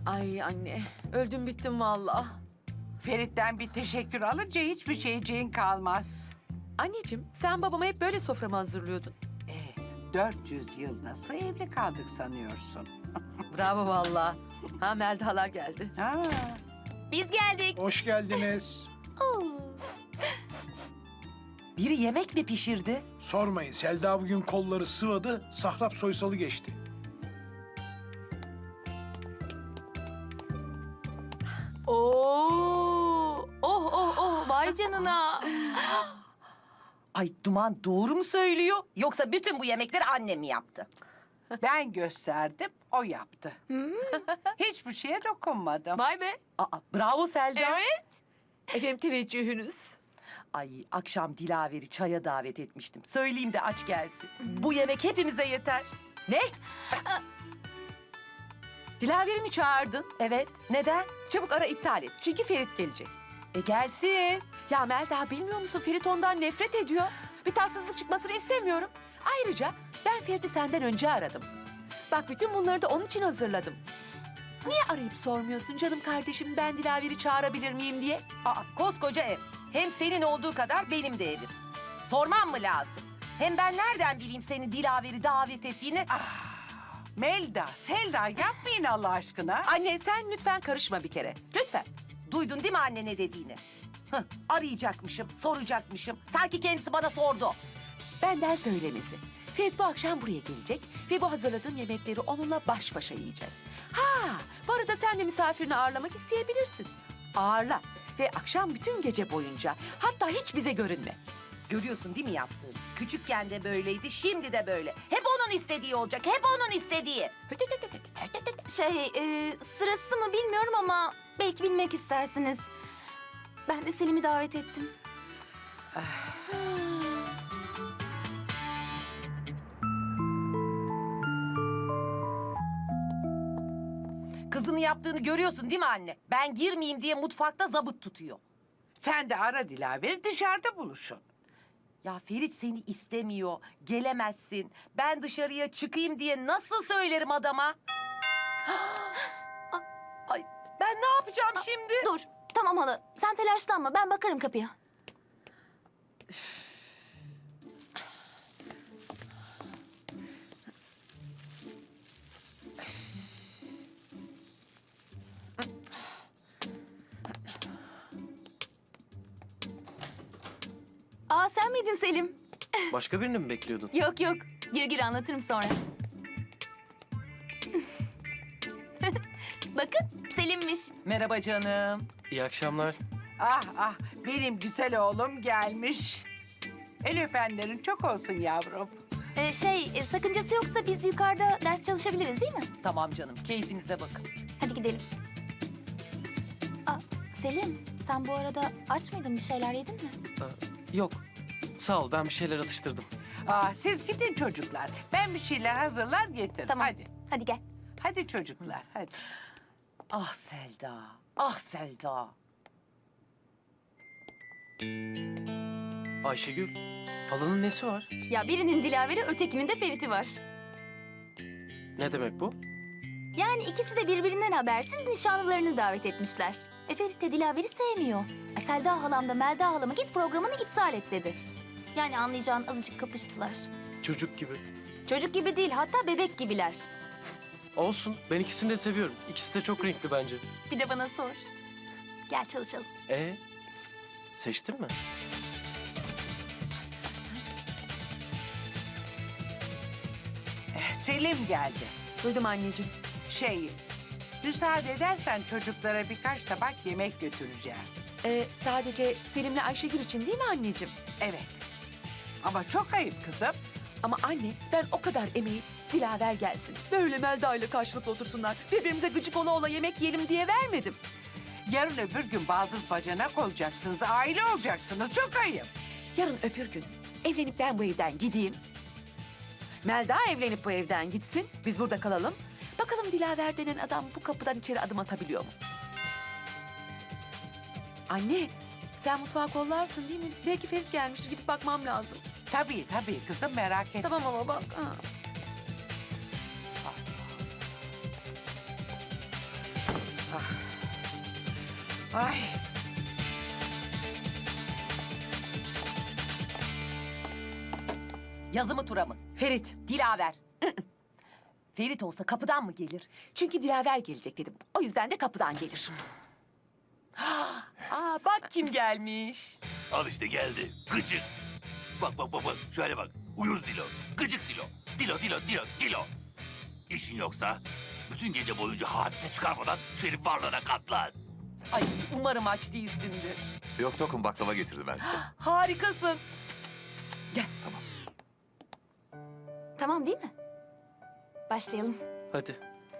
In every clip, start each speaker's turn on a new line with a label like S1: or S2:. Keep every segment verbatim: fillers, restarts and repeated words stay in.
S1: Ay anne, öldüm bittim vallahi.
S2: Ferit'ten bir teşekkür alınca hiçbir şeyciğin kalmaz.
S1: Anneciğim, sen babama hep böyle soframı hazırlıyordun.
S2: Ee, dört yüz yıl nasıl evli kaldık sanıyorsun?
S1: Bravo vallahi. Ha Meldalar geldi.
S2: Ha.
S3: Biz geldik.
S4: Hoş geldiniz.
S3: Oo.
S5: Biri yemek mi pişirdi?
S4: Sormayın, Selda bugün kolları sıvadı, Sahrap Soysal'ı geçti.
S3: Oo. Oh oh oh vay canına.
S5: Ay Duman doğru mu söylüyor? Yoksa bütün bu yemekleri annem mi yaptı?
S2: Ben gösterdim, o yaptı. Hiçbir şeye dokunmadım.
S3: Vay be.
S5: Aa, bravo Selda.
S3: Evet.
S1: Efendim teveccühünüz.
S5: Ay akşam Dilaver'i çaya davet etmiştim. Söyleyeyim de aç gelsin. Bu yemek hepimize yeter.
S1: Ne? Dilaver'i mi çağırdın?
S5: Evet. Neden?
S1: Çabuk ara iptal et. Çünkü Ferit gelecek.
S5: E gelsin.
S1: Ya Melda bilmiyor musun? Ferit ondan nefret ediyor. Bir tatsızlık çıkmasını istemiyorum. Ayrıca ben Ferit'i senden önce aradım. Bak bütün bunları da onun için hazırladım. Niye arayıp sormuyorsun canım kardeşim ben Dilaver'i çağırabilir miyim diye?
S5: Aa, koskoca ev. Hem senin olduğu kadar benim de evim. Sormam mı lazım? Hem ben nereden bileyim senin Dilaver'i davet ettiğini?
S2: Melda, Selda yapmayın Allah aşkına.
S1: Anne sen lütfen karışma bir kere. Lütfen.
S5: Duydun değil mi anne ne dediğini? Hıh, arayacakmışım, soracakmışım. Sanki kendisi bana sordu.
S1: Benden söylemesi. Ferit bu akşam buraya gelecek ve bu hazırladığım yemekleri onunla baş başa yiyeceğiz. Ha, bu arada sen de misafirini ağırlamak isteyebilirsin. Ağırla ve akşam bütün gece boyunca hatta hiç bize görünme.
S5: Görüyorsun değil mi yaptığını? Küçükken de böyleydi, şimdi de böyle. Hep onun istediği olacak, hep onun istediği.
S3: Şey e, sırası mı bilmiyorum ama belki bilmek istersiniz. Ben de Selim'i davet ettim.
S5: Kızını yaptığını görüyorsun değil mi anne? Ben girmeyeyim diye mutfakta zabıt tutuyor.
S2: Sen de ara Dilaver'i dışarıda buluşun.
S5: Ya Ferit seni istemiyor, gelemezsin. Ben dışarıya çıkayım diye nasıl söylerim adama? Ay ben ne yapacağım şimdi?
S3: Dur. Tamam hala. Sen telaşlanma. Ben bakarım kapıya. Aa sen miydin Selim?
S6: Başka birini mi bekliyordun?
S3: Yok yok. Gir gir anlatırım sonra. Bakın Selim'miş.
S5: Merhaba canım.
S6: İyi akşamlar.
S2: Ah ah, benim güzel oğlum gelmiş. El öpenlerin çok olsun yavrum.
S3: Ee, şey e, sakıncası yoksa biz yukarıda ders çalışabiliriz değil mi?
S5: Tamam canım, keyfinize bakın.
S3: Hadi gidelim. Aa, Selim sen bu arada aç mıydın bir şeyler yedin mi?
S6: Ee, yok. Sağ ol, ben bir şeyler atıştırdım.
S2: Ah, siz gidin çocuklar. Ben bir şeyler hazırlar getiririm.
S3: Tamam.
S2: Hadi.
S3: Hadi gel.
S2: Hadi çocuklar, hadi.
S5: Ah Selda, ah Selda.
S6: Ayşegül, halanın nesi var?
S3: Ya birinin Dilaver'i ötekinin de Ferit'i var.
S6: Ne demek bu?
S3: Yani ikisi de birbirinden habersiz nişanlılarını davet etmişler. E Ferit de Dilaver'i sevmiyor. E, Selda halam da Melda halama git programını iptal et dedi. Yani anlayacağın azıcık kapıştılar.
S6: Çocuk gibi.
S3: Çocuk gibi değil hatta bebek gibiler.
S6: Olsun, ben ikisini de seviyorum. İkisi de çok renkli bence.
S3: Bir de bana sor. Gel çalışalım.
S6: Ee, seçtin mi?
S2: Eh, Selim geldi.
S1: Duydum anneciğim.
S2: Şey, müsaade edersen çocuklara birkaç tabak yemek götüreceğim.
S1: Ee, sadece Selim'le Ayşegül için değil mi anneciğim?
S2: Evet. Ama çok ayıp kızım.
S1: Ama anne ben o kadar emeği Dilaver gelsin. Böyle Melda ile karşılıklı otursunlar. Birbirimize gıcık ola ola yemek yiyelim diye vermedim.
S2: Yarın öbür gün baldız bacanak olacaksınız, aile olacaksınız. Çok ayıp.
S1: Yarın öbür gün evlenip ben bu evden gideyim. Melda evlenip bu evden gitsin. Biz burada kalalım. Bakalım Dilaver denen adam bu kapıdan içeri adım atabiliyor mu? Anne sen mutfağı kollarsın değil mi? Belki Ferit gelmiştir gidip bakmam lazım.
S2: Tabii tabii kızım, merak etme.
S1: Tamam ama bak. Ha.
S2: Ay.
S5: Yazı mı tura mı?
S1: Ferit.
S5: Dilaver. Ferit olsa kapıdan mı gelir?
S1: Çünkü Dilaver gelecek dedim. O yüzden de kapıdan gelir.
S5: Aa bak kim gelmiş.
S7: Al işte geldi. Gıcık. Bak bak bak bak. Şöyle bak. Uyuz Dilo. Gıcık Dilo. Dilo Dilo Dilo Dilo. İşin yoksa bütün gece boyunca hadise çıkarmadan şu herif varlığına katlan.
S5: Ay umarım aç değilsindir.
S7: Yok Tokum, baklava getirdim ben size.
S5: Harikasın.
S3: Tamam değil mi? Başlayalım.
S6: Hadi.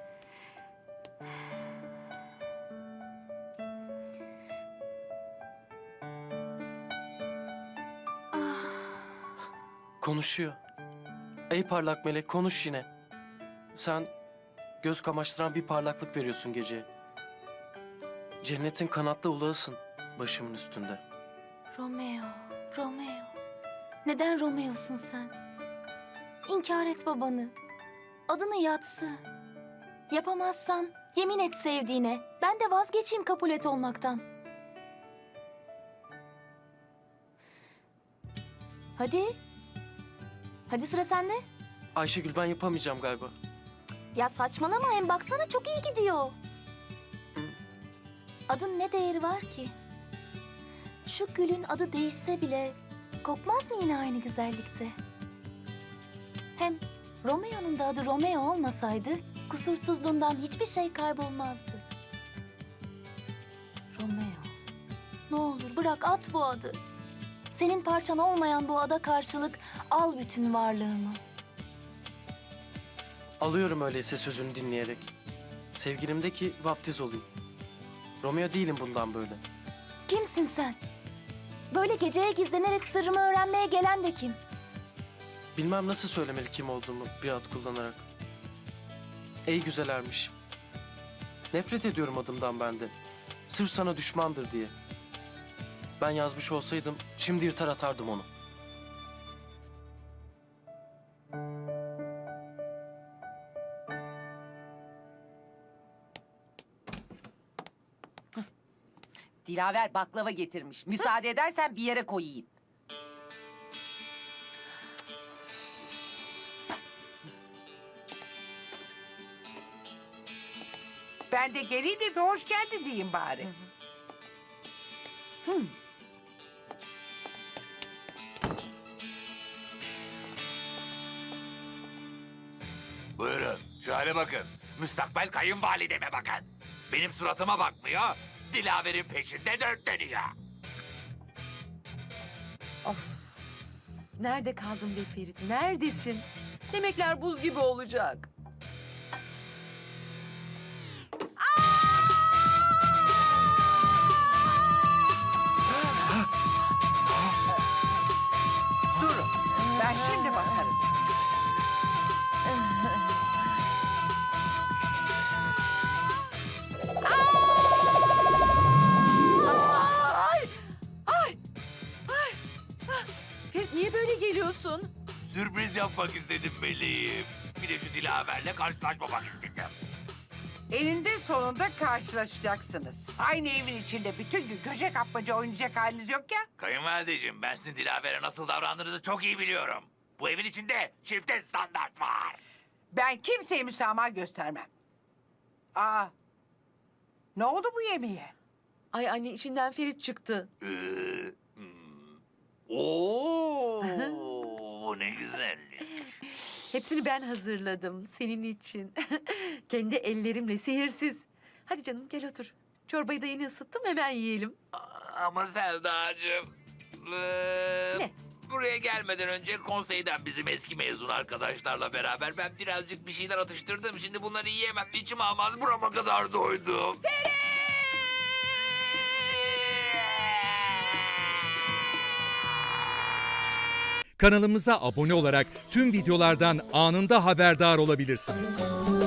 S6: Konuşuyor. Ey parlak melek, konuş yine. Sen göz kamaştıran bir parlaklık veriyorsun geceye. Cennetin kanatlı ulağısın başımın üstünde.
S3: Romeo, Romeo. Neden Romeo'sun sen? İnkar et babanı. Adını yatsı. Yapamazsan yemin et sevdiğine. Ben de vazgeçeyim kabul et olmaktan. Hadi. Hadi sıra sende.
S6: Ayşegül, ben yapamayacağım galiba.
S3: Ya saçmalama, hem baksana çok iyi gidiyor. Adın ne değeri var ki? Şu gülün adı değişse bile kokmaz mı yine aynı güzellikte? Hem Romeo'nun da adı Romeo olmasaydı kusursuzluğundan hiçbir şey kaybolmazdı. Romeo, ne olur bırak, at bu adı. Senin parçan olmayan bu ada karşılık al bütün varlığımı.
S6: Alıyorum öyleyse sözünü dinleyerek. Sevgilimdeki vaptiz olayım. Romeo değilim bundan böyle.
S3: Kimsin sen? Böyle geceye gizlenerek sırrımı öğrenmeye gelen de kim?
S6: Bilmem nasıl söylemeli kim olduğumu bir ad kullanarak. Ey güzel ermiş. Nefret ediyorum adımdan ben de. Sırf sana düşmandır diye. Ben yazmış olsaydım şimdi yırtar atardım onu.
S5: Dilaver baklava getirmiş. Müsaade edersen bir yere koyayım.
S2: Ben de geleyim de bir hoş geldin diyeyim bari.
S7: Buyurun. Şöyle bakın. Müstakbel kayınvalideme bakın. Benim suratıma bakmıyor. Dilaver'in peşinde dört dönüyor.
S1: Nerede kaldın be Ferit? Neredesin? Yemekler buz gibi olacak.
S2: Durun. Ben şimdi bakarım.
S1: Ay! Ay! Ay! Ah! Ferit niye böyle geliyorsun?
S7: Sürpriz yapmak istedim meleğim. Bir de şu Dilaver'le karşılaşmamak istedim.
S2: Eninde sonunda karşılaşacaksınız. Aynı evin içinde bütün gün köşe kapmaca oynayacak haliniz yok ya.
S7: Kayınvalideciğim, ben sizin Dilaver'e nasıl davrandığınızı çok iyi biliyorum. Bu evin içinde çifte standart var.
S2: Ben kimseye müsamaha göstermem. Aa, ne oldu bu yemeğe?
S1: Ay anne, içinden Ferit çıktı.
S7: Ee, hmm. Oo, ne güzellik.
S1: Hepsini ben hazırladım senin için. Kendi ellerimle, sihirsiz. Hadi canım gel otur. Çorbayı da yeni ısıttım, hemen yiyelim.
S7: Ama Selda'cığım... ee,
S1: Ne?
S7: Buraya gelmeden önce konseyden bizim eski mezun arkadaşlarla beraber ben birazcık bir şeyler atıştırdım. Şimdi bunları yiyemem, içim almaz, burama kadar doydum.
S8: Kanalımıza abone olarak tüm videolardan anında haberdar olabilirsiniz.